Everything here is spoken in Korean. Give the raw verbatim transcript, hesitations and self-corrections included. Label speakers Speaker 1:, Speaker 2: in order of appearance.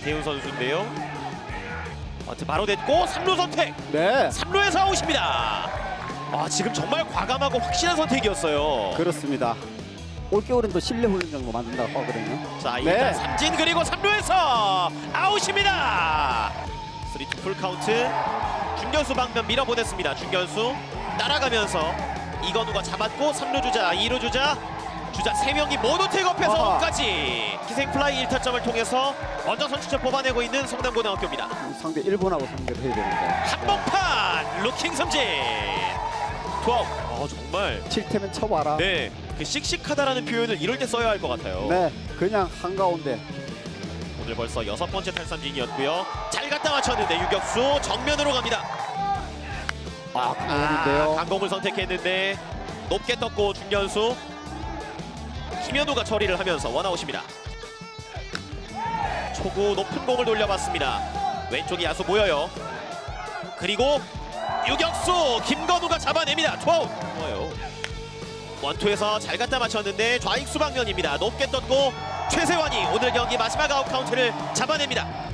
Speaker 1: 김태훈 선수인데요. 어트 바로 됐고 삼 루 선택.
Speaker 2: 네,
Speaker 1: 삼 루에서 아웃입니다. 아, 지금 정말 과감하고 확실한 선택이었어요.
Speaker 2: 그렇습니다. 올겨울은 또 실내 훈련장도 만든다고 하거든요.
Speaker 1: 자, 일단
Speaker 2: 네.
Speaker 1: 삼진 그리고 삼 루에서 아웃입니다. 삼 투 풀 카운트. 중견수 방면 밀어보냈습니다. 중견수 따라가면서 이건우가 잡았고 삼 루 주자, 이 루 주자, 주자 세 명이 모두 태업해서
Speaker 2: 아하.
Speaker 1: 홈까지 희생 플라이 일 타점을 통해서 먼저 선취점 뽑아내고 있는 성남고등학교입니다.
Speaker 2: 상대 일본하고 상대를 해야 되는데
Speaker 1: 한복판 루킹 삼진. 투아웃. 어, 정말
Speaker 2: 칠 태면 쳐봐라.
Speaker 1: 네, 그 씩씩하다라는 표현을 이럴 때 써야 할 것 같아요.
Speaker 2: 네, 그냥 한가운데.
Speaker 1: 오늘 벌써 여섯 번째 탈삼진이었고요. 잘 갖다 맞췄는데 유격수 정면으로 갑니다.
Speaker 2: 아, 강원인데요.
Speaker 1: 아, 강공을 선택했는데 높게 떴고 중견수 김현우가 처리를 하면서 원아웃입니다. 초구 높은 공을 돌려봤습니다. 왼쪽이 야수 보여요. 그리고 유격수 김건우가 잡아냅니다. 투아웃. 뭐예요? 원투에서 잘 갖다 맞췄는데 좌익수 방면입니다. 높게 떴고 최세환이 오늘 경기 마지막 아웃 카운트를 잡아냅니다.